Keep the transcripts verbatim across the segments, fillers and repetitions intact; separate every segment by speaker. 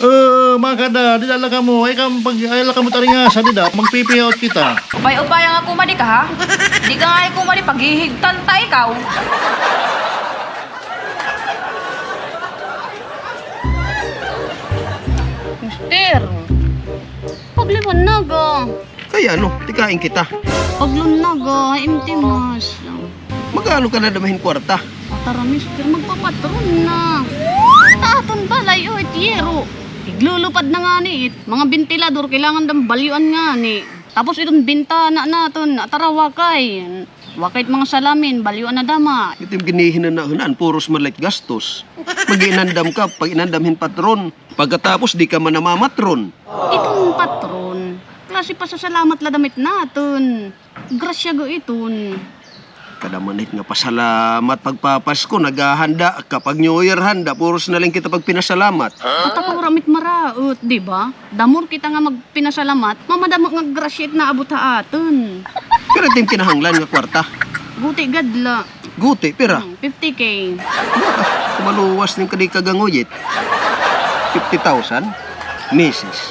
Speaker 1: Eh, makada, di dala ka mo. Ay kam pag ay la ka mo taringa sa dida, magpipiyaot kita.
Speaker 2: Upay-upay nga kumadi ka ha? Di ka nga kumadi paghihigtan ta ikaw.
Speaker 3: Mister, pagliwanag ah.
Speaker 4: Kaya ano, tikain kita.
Speaker 3: Paglunag ah, imtimas.
Speaker 4: Magkano ka na damahin kwarta?
Speaker 3: Tara mister, magpapatron na. Taton balay o itiyero. Iglulupad na nga ni it. Mga bentilador, kailangan dang balyuan nga ni. Tapos itong bintana naton, tara wakay. Wakay mga salamin, balyuan na dama.
Speaker 4: Ito yung ginihinanahanan, puros malit gastos. Mag-inandam ka, pag inandamhin patron. Pagkatapos di ka man namamatron.
Speaker 3: Itong patron, klase pa sa salamat la damit naton. Grasya go iton.
Speaker 4: Kadamanit nga pasalamat pagpapasko, naghahanda kapag New Year handa, puros na lang kita pag pinasalamat.
Speaker 3: At ako ramit maraot, di ba? Damor kita nga magpinasalamat, mamadamo nga grasyet na abot ha aton.
Speaker 4: Pero ito yung kinahanglan nga kwarta.
Speaker 3: Guti gadla.
Speaker 4: Guti, pera.
Speaker 3: Hmm, fifty K.
Speaker 4: Baka, kumaluwas ng kadi kaganguyit. fifty thousand? Misis.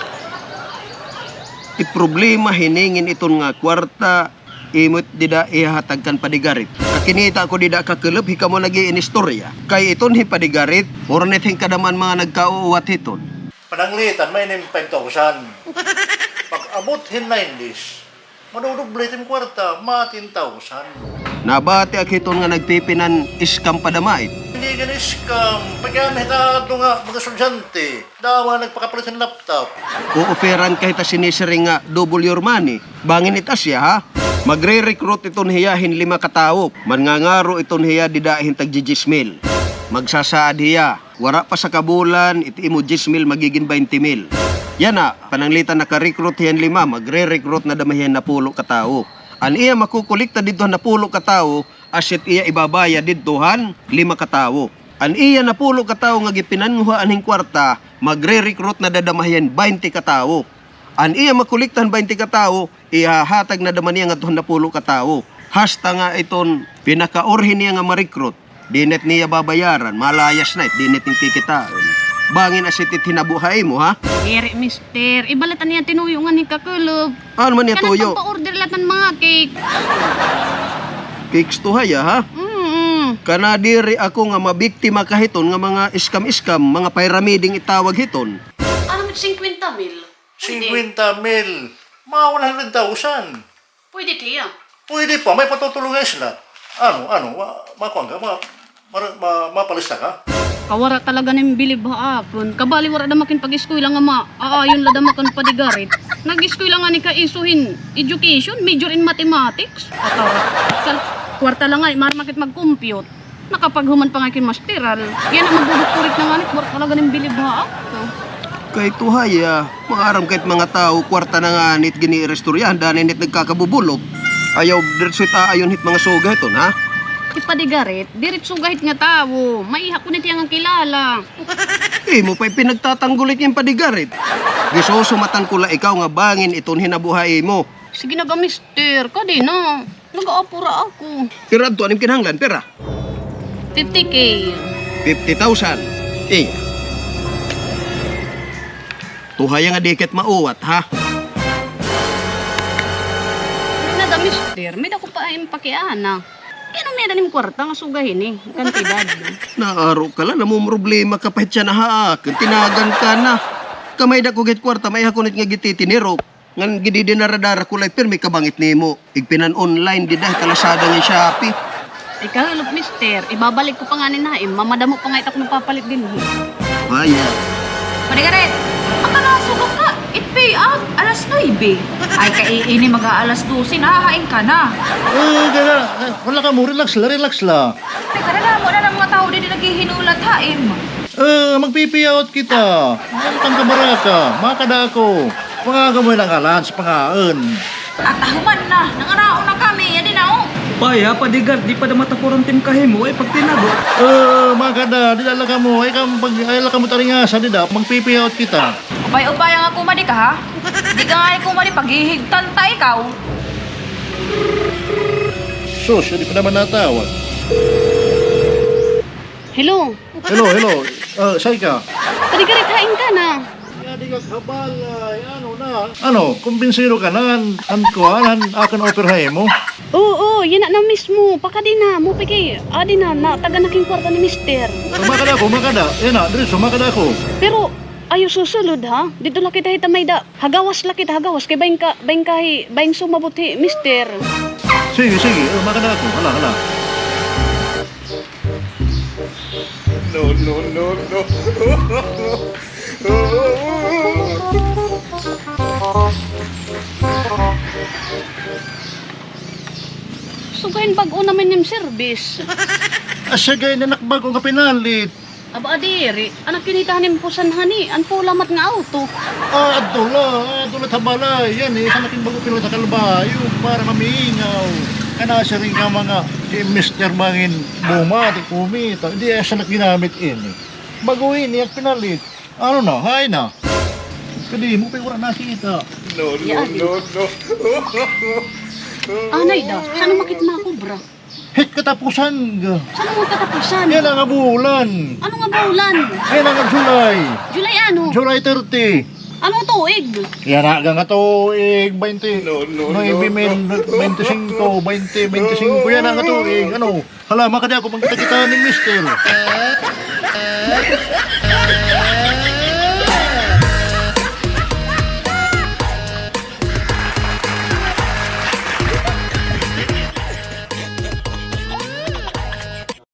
Speaker 4: I-problema hiningin iton nga kwarta, imot dida ihatagkan padigarit. Kakinita ko dida kakulub, hika mo lagi inistorya. Kay iton hi padigarit, ornet hing kadaman mga nagkauuwat hiton.
Speaker 1: Pananglitan may nim five thousand. Pag abot hin nineties, madudublit yung kwarta, ma ten thousand.
Speaker 4: Nabati ak hiton nga nagpipinan iskam padamait.
Speaker 1: Hindi ka scam. Pagyan hita ito nga mga estudyante. Dawa nagpakapalit ng laptop.
Speaker 4: Uuperan kahit sinisiring nga double your money. Bangin itas siya ha. Magre-recruit iton hiya hin lima katao. Mangangaro iton hiya didahin tag jijismil. Magsasaad hiya. Wara pa sa kabulan, iti imo jismil magiging twenty mil. Yan na, pananglitan naka-recruit hiyan lima, magre-recruit na damahiyan na pulo katao. An iya makukulikta dito na pulo katao, asit iya ibabaya didtohan lima katao. An iya na pulo katao nga gipinanguhaan hing kwarta, magre-recruit na dadamahiyan twenty katao. An iya makuliktan twenty katao, ihahatag na daman niya nga tuhon na pulo katao. Hasta nga iton pinakaorhin niya nga ma-recruit. Dinet niya babayaran, malayas na it, dinet yung kikitaan. Bangin asitit hinabuhay mo ha?
Speaker 3: Ere mister, ibalatan niya tinuyo nga ni kakulog.
Speaker 4: Ano man niya tuyo?
Speaker 3: Kanang pagpa-order lahat ng mga cake.
Speaker 4: Cakes to haya ha?
Speaker 3: Mm-mm.
Speaker 4: Kanadiri ako nga mabiktima kahiton nga mga iskam-iskam, mga pyramiding itawag hiton.
Speaker 3: Ano mit fifty mil?
Speaker 1: fifty mil. Mga one hundred thousand.
Speaker 3: Pwede tiya.
Speaker 1: Pwede pa, may patutulungan sila. Ano, ano, ma makuha ka, ma ma ma mapalista ka?
Speaker 3: Kawara talaga ng bilib haapon. Kabali wara damakin pag-eskwela nga ma. Aayon la damakan padigarit. Nag-eskwela nga ni kaisuhin education, major in mathematics. Atara. Kal kwarta lang nga, marmakit mag-compute. Nakapaghuman pa nga kin masteral. Yan ang magdudukturit na nga ni wara talaga ng bilib haapon.
Speaker 4: Kay tuhaya, maaram kahit mga tao, kwarta na nga nit gini-restoryahan, dahil nit nagkakabubulog. Ayaw, dirtsuit aayon hit mga soga hiton ha?
Speaker 3: Ipadigarit, diretso gahit nga tao. Maiha ko nit yang kilala.
Speaker 4: Eh, mo pa'y pinagtatanggulit yung padigarit. Gisusumatan ko la ikaw nga bangin iton hinabuhay mo.
Speaker 3: Sige na ba mister, kadi na. Nag-aapura ako.
Speaker 4: Pero ato, anong kinahanglan, pera?
Speaker 3: fifty K.
Speaker 4: fifty thousand. Eh, tuhaya nga diket mauwat ha?
Speaker 3: Na da mister, may dako pa ay pakiana. Kaya may dalim kwarta nga sugahin eh. Kantidad.
Speaker 4: Naaro ka lang, namong problema ka pahit siya na haak. Tinagan ka na. Kamay da ko git kwarta, may hakunit nga gititiniro. Ngan gidi dinaradara kulay pirmi kabangit nimo. Igpinan online di dahil kalasada ng Shopee.
Speaker 3: Ikaw, look mister, ibabalik ko pa nga ni Naim. Mamadamo pa nga itak ng papalit din.
Speaker 4: Kaya.
Speaker 2: Padigarit, ang kanasugo ka. It pay out. Alas nuebe. Ay kaiini mag-aalas twelve, nahahain ka na.
Speaker 1: Eh, gana, wala ka mo, relax la, relax la.
Speaker 2: Ay karala mo na ng mga tao din naghihinulat haim.
Speaker 1: Eh, magpipiyaot kita. Ano kang kamaraka, makada ako. Mga gamoy lang alan sa pangaan.
Speaker 2: At ahuman na, nangaraon na kami. Yan din na oh.
Speaker 5: Paya, padigar, di pa da matapuran tim kahimo, ay pagtinago.
Speaker 1: Eh, makada, di dala ka mo, ay kam pag ay la ka mo taringa sa dida, magpipiyaot kita.
Speaker 2: Upay-upay nga kumadi ka ha? Di ka nga kumadi paghihigtan ta ikaw.
Speaker 1: Sus, hindi pa naman natawag.
Speaker 3: Hello,
Speaker 1: Hello, hello. Uh, say ka.
Speaker 3: padigarit hain ka na.
Speaker 1: Habalay, ano na? Ano, kumbinsido ka na, ang kuhan, akan operahay mo?
Speaker 3: Oo, yan na na mismo. Pakadi na, mo piki. Adi na, na taga naking kwarta ni mister.
Speaker 1: Sumakada ko, makada. Yan na, dito, sumakada ko.
Speaker 3: Pero, ayo susulod ha. Dito lang kita hitamay da. Hagawas lang kita, hagawas. Kay baing ka, baing kahi, baing sumabuti, mister.
Speaker 1: Sige, sige, oh, makada ko. Hala, hala. No, no, no, no.
Speaker 3: Sugayin bago namin yung service.
Speaker 1: Asagay na nakbag kong kapinalit.
Speaker 3: Aba adiri, anak kinitahan yung pusan hani. An po lamat nga auto.
Speaker 1: Ah, adula, adula tabalay. Yan eh, sa naking bago pila sa kalbayo para mamingaw. Kana siya rin ka mga si mister Bangin Buma, di kumita. Hindi eh, siya naginamit ini. Baguhin niya pinalit. Ano na, hay na. Kadi mo pa wala nakita. No, no,
Speaker 3: Yan.
Speaker 1: no, no.
Speaker 3: Anay da, saan makit makubra?
Speaker 1: Hit katapusan ga.
Speaker 3: Saan mo katapusan?
Speaker 1: Yan ang bulan.
Speaker 3: Ano nga baulan?
Speaker 1: Yan ang July.
Speaker 3: July ano?
Speaker 1: July thirty.
Speaker 3: Ano tuig?
Speaker 1: Yan na, hanggang ito, eh, twenty. No, no, no. twenty-five, twenty, twenty-five. Yan ang ito, eh, ano. Hala, makadi ako, magkita-kita ni mister.